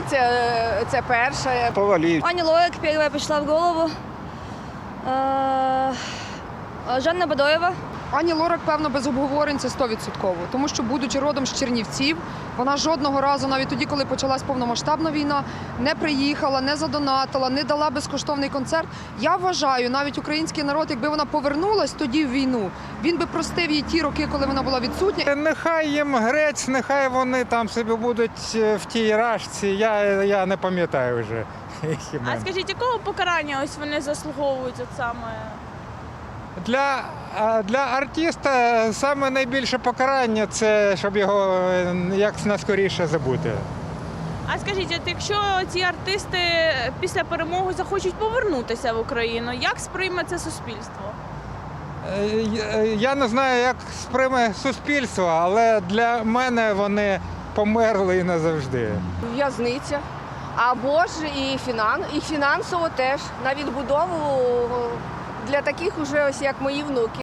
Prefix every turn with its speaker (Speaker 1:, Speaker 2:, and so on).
Speaker 1: це перше.
Speaker 2: Повалив.
Speaker 3: Аня Лорак первая пришла в голову. Жанна Бадоєва.
Speaker 1: Ані Лорак, певно, без обговорень це 100%. Тому що, будучи родом з Чернівців, вона жодного разу, навіть тоді, коли почалась повномасштабна війна, не приїхала, не задонатила, не дала безкоштовний концерт. Я вважаю, навіть український народ, якби вона повернулась тоді в війну, він би простив їй ті роки, коли вона була відсутня.
Speaker 2: Нехай їм грець, нехай вони там собі будуть в тій рашці. Я не пам'ятаю вже.
Speaker 4: А скажіть, якого покарання ось вони заслуговують от саме?
Speaker 2: Для артиста саме найбільше покарання – це щоб його як наскоріше забути.
Speaker 4: А скажіть, от якщо ці артисти після перемоги захочуть повернутися в Україну, як сприйме це суспільство?
Speaker 2: Я не знаю, як сприйме суспільство, але для мене вони померли і назавжди.
Speaker 5: В'язниця. Або ж і фінансово теж на відбудову для таких уже ось як мої внуки.